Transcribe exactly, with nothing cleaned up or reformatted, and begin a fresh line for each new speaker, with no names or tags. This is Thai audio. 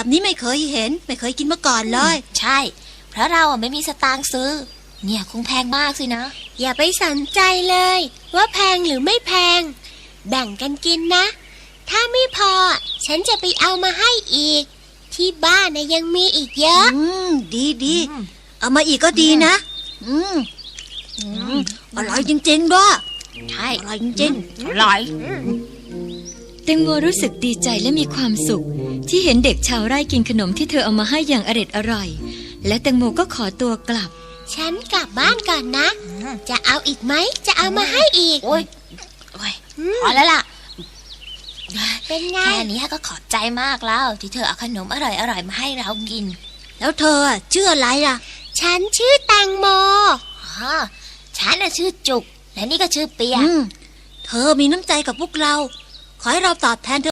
แบบนี้ไม่เคยเห็นไม่เคยกินมาก่อนเลย
ใช่เพราะเราอ่ะไม่มีสตางค์ซื้อเนี่ยคงแพงมากสินะ
อย่าไปสนใจเลยว่าแพงหรือไม่แพงแบ่งกันกินนะถ้าไม่พอฉันจะไปเอามาให้อีกที่บ้านนะยังมีอีกเยอะ
อืมดีดีเอามาอีกก็ดีนะอืมอืมอร่อยจริงๆด้วย
ใช่
อร่อยจริง
ๆอร่อย
แตงโมรู้สึกดีใจและมีความสุขที่เห็นเด็กชาวไร่กินขนมที่เธอเอามาให้อย่างอร็ดอร่อยและแตงโมก็ขอตัวกลับ
ฉันกลับบ้านก่อนนะจะเอาอีกไหมจะเอามาให้อีก
โอ้ยโอ้ยพอแล้วล่ะ
เป็นไง
แค่นี้ก็ขอบใจมากแล้วที่เธอเอาขนมอร่อยๆมาให้เรากิน
แล้วเธอชื่ออะไรล่ะ
ฉันชื่อแตงโม
อ๋อฉันน่ะชื่อจุกและนี่ก็ชื่อเปีย
เธอมีน้ำใจกับพวกเราขอให้เราตอบแทนเธอ